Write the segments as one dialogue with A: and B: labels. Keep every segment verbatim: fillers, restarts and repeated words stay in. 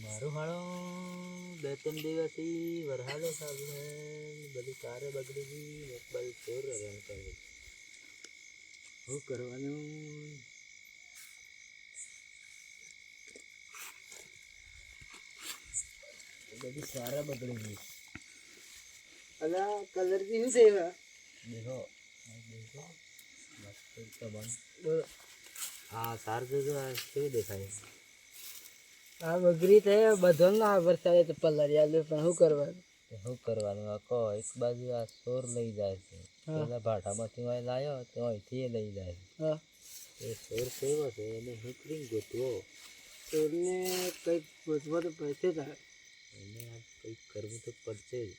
A: મારું હાળો બે ત્રણ દિવસથી વરસાદો ચાલુ છે, બધી કારે બગડી ગઈ, મોબાઈલ ચોર રન કરે. શું કરવાનું? બધી સારા બગડી ગઈ.
B: અલા કલર થી શું છે?
A: દેખો દેખો મસ્ત તો બન હા સાર જોજો આ કેવું દેખાય.
B: આ બગડી થાય બધો ના વરસાદે તો પલર યાદ પણ શું કરવાનું?
A: શું કરવાનું? આખો એક બાજુ આ ચોર લઈ જાય છે, પેલા ભાટામાંથી અહીં લાવ્યો તો અહીંથી લઈ જાય છે.
B: હા
A: એ ચોર કેવો છે એને નીકળીને ગોતવો,
B: ચોરને કંઈક ગોતવા તો પડશે તારે.
A: એને આ કંઈક કરવું તો પડશે જ.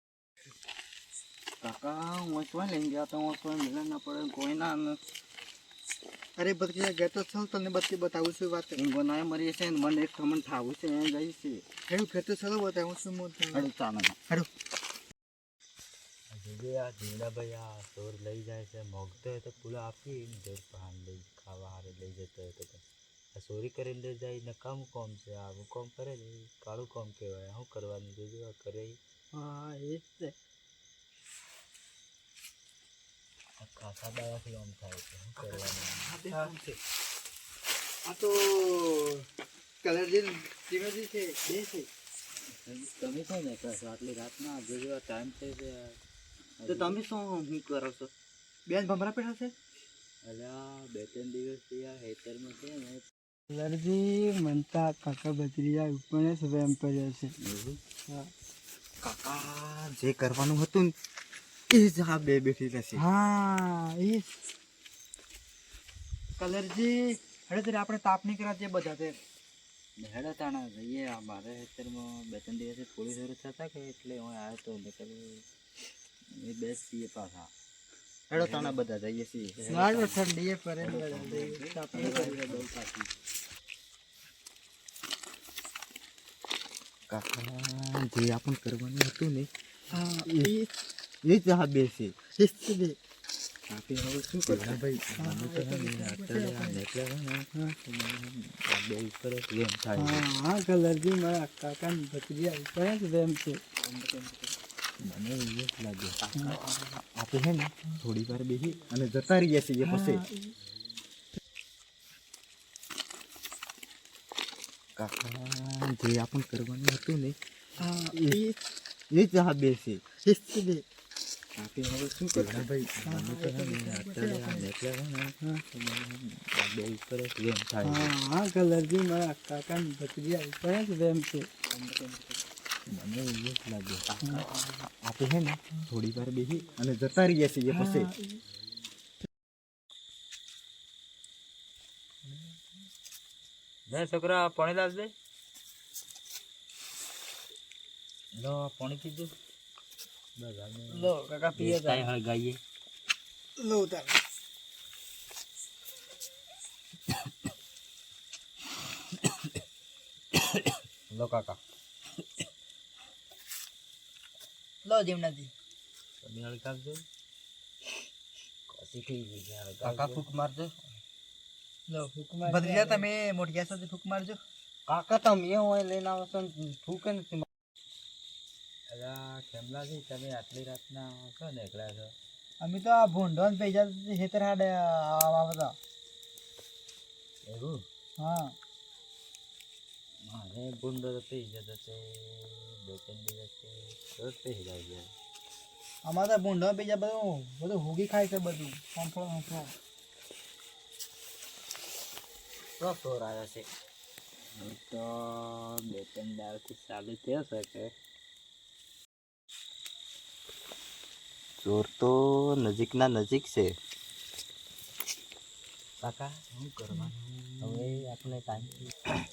B: કાકા હું શું લઈ ગયા તો હું શું મિલન ના પડે કોઈ ના. અરે બધી ગયા તો ચાલ તને બધી બતાવું છું વાત. બનાવે મરી છે ને મને એક ખમણ થાવું છે એ જઈ છે એવું ખેતો ચાલો બતાવું છું હું. હાડું ચાલો હાડું
A: જોજે આ જીવડાભાઈ આ ચોર લઈ જાય છે, મોગતો હોય તો પૂરા આપી જોર પાન લઈ ખાવા હારે લઈ જતો હોય તો. આ ચોરી કરીને લઈ જાય નકામું કોમ છે, આવું કોમ કરે ને કાળું કોમ કહેવાય. શું કરવાનું જોજો આ કરે.
B: હા એ જ છે.
A: ખાસા દાવાથી આમ થાય છે, શું કરવાનું?
B: આ તો કલર જે ધીમેથી છે બે છે.
A: તમે શું ને કરશો આટલી રાતના? જોજો આ ટાઈમ થઈ છે.
B: તો તમે શું શું કરો છો? બેન ભમરા પેઠા છે?
A: અલ્યા બે ત્રણ દિવસથી આ હેતરમાં છે ને
B: કલરજી મનતા કાકા બત્રીજા ઉપર સ્વેમ કર્યો છે. હા
C: કાકા જે કરવાનું હતું ને એ જ આ બે બેઠી રહેશે.
B: હા એ કલરજી હવે તરી આપણે તાપ નહીં કર્યા તે બધા તે
A: હેડા તાણા જઈએ. મારે હેતરમાં બે ત્રણ દિવસથી પોલીસ થતા કે એટલે હું આવ્યો તો નીકળ એ બેસ છીએ પાછા.
C: હેડો તાણા બધા જઈએ છીએ.
B: નાનો ઠંડી એ પરે તાપ નહીં કરી
A: બહુ પાછી
C: કાકા જે આપણને કરવાનું હતું ને
B: હા
C: એ જ આ બે છે.
B: શિસ્ત દે
C: આપણે હવે શું કરવાનું ભાઈ?
A: બે ઉપર જ ગેમ થાય.
B: હા હા કલરજી મારા કાકા ની ભત્રીજા ઉપર સ્વેમ છે.
A: મને એવું જ લાગે.
C: આપણે છે ને થોડી વાર બેસી અને જતા રહીએ છીએ પછી. કાકા જે આપણને કરવાનું હતું ને
B: હા
C: એ જ આ બે છે.
B: શિસ્ત દે
C: આપણે હવે શું કરવાનું ભાઈ?
A: બે ઉપર જ ગેમ થાય.
B: હા હા કલરજી મારા કાકા ની ભત્રીજા ઉપર સ્વેમ છે.
A: મને એવું જ લાગે.
C: આપણે છે ને થોડી વાર બેસી અને જતા રહીએ છીએ પછી.
A: ના છોકરા પાણી લાવજે. લો પાણી પીજો.
B: લો કાકા પીએ
A: કાંઈ હળગાઈએ.
B: લો તાર
A: લો કાકા
B: લો જીમનાજી
A: તમે હળગાવજો. કસી થઈ ગઈ છે
C: કાકા ફૂક મારજો.
B: લો ફૂક માર ભત્રીજા તમે મોટિયા સાથે ફૂક મારજો.
C: કાકા તમે હોય લઈને આવો છો ફૂકે નથી.
A: અલા કેમલાજી તમે આટલી રાતના શું નીકળ્યા છો?
B: અમે તો આ ભૂંડો ને પૈસા ખેતર હાડે આવતા.
A: એવું?
B: હા
A: મારે ભૂંડો તો પી જતો તે બે ત્રણ દિવસથી રોજ પી જાય છે.
B: અમારે તો ભૂંડો પૈસા બધું બધું હોગી ખાય છે બધું. સંફળો સંફળો
A: તો ચોર આવ્યો છે. હું તો બે ત્રણ દાડથી ચાલુ થયો છે કે
C: ચોર તો નજીકના નજીક છે.
A: કાકા શું કરવાનું હવે? આપણે ટાઈમ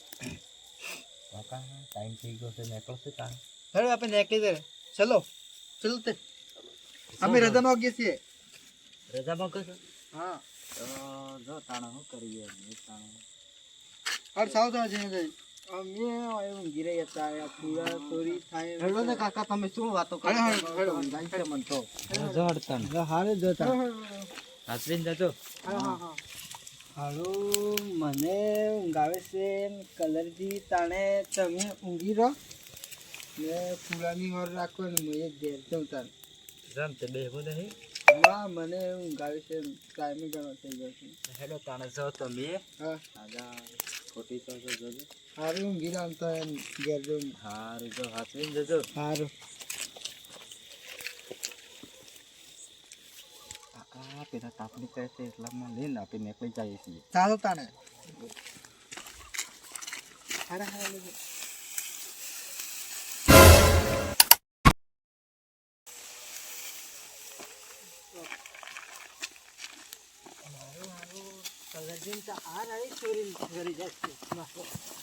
A: કાકા ટાઈમ થઈ ગયો છે, નીકળશે તાણ.
B: હેડો આપણે નીકળી દે. ચલો ચલો તે અમે રજા માંગીએ છીએ.
A: રજા માંગો છો?
B: હા
A: તો જો તાણા શું કરીએ તાણા.
B: અરે સાવ તો જઈને જઈ અમે એવું ગીરે હતા આ પૂરા ચોરી થાય.
C: હેડો ને કાકા તમે શું વાતો કરો?
B: હેડો, હેડો.
C: જાય છે મન તો.
A: રજા હડતા
B: હારે જોતા
A: હાસરીને જજો.
B: હા હા હા હાલો મને ઊંઘ આવે છે કલરજી તાણે તમે ઊંઘી રહો ને ફૂલાની ઓર રાખો ને હું એક ઘેર જાઉં તારે
A: રામ તે બેહવું નહીં
B: ના મને ઊંઘ આવે છે ટાઈમે ઘણો થઈ ગયો છે
A: હેલો તાણે જાઓ તમે
B: હા
A: આગા ખોટી તો જો જોજો
B: સારું ઊંઘી રહો તો એમ ઘેર જાઉં
A: હારું જો હાથવીને જજો
B: સારું
C: આ પેલા તાપણી કરે છે એટલામાં લઈને આપણે નીકળી જઈએ છીએ
B: ચાલો તાણે હારા હારા લેજો મારું મારું કલરજીન તો આ રહી ચોરી કરી જશે મારો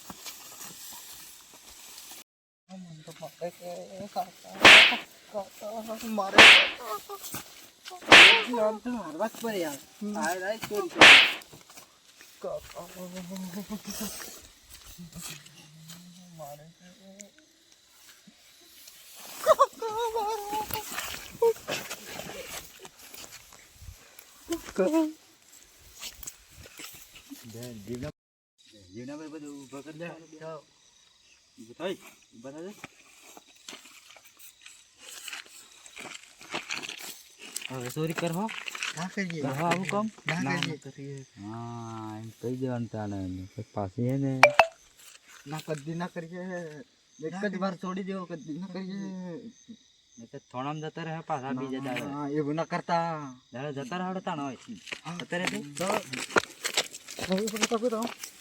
B: મને તો પકડે કે કાકા કાકા મારે આમ તો મારવા જ પડે યાર આ રહી ચોરી કરી કાકા મારે
A: જીવના જીવના ભાઈ બધું ઊભા કરી દે જાઓ ઊભું થઈ ઊભા થજો હવે ચોરી કરવો
B: ના કરીએ
A: કરવો આવું કામ
B: ના કરીએ
C: કરીએ
A: હા એમ કહી દેવાનું તાને પાછી હે ને
C: ના કદી ના કરીએ એક જ વાર છોડી દેવો કદી ના કરીએ
A: નહીં તો થોડામ જતા રહે પાછા બીજા દાડે
C: હા એવું ના કરતા
A: દાડે જતા રહે તાણ હોય અત્યારે
B: તો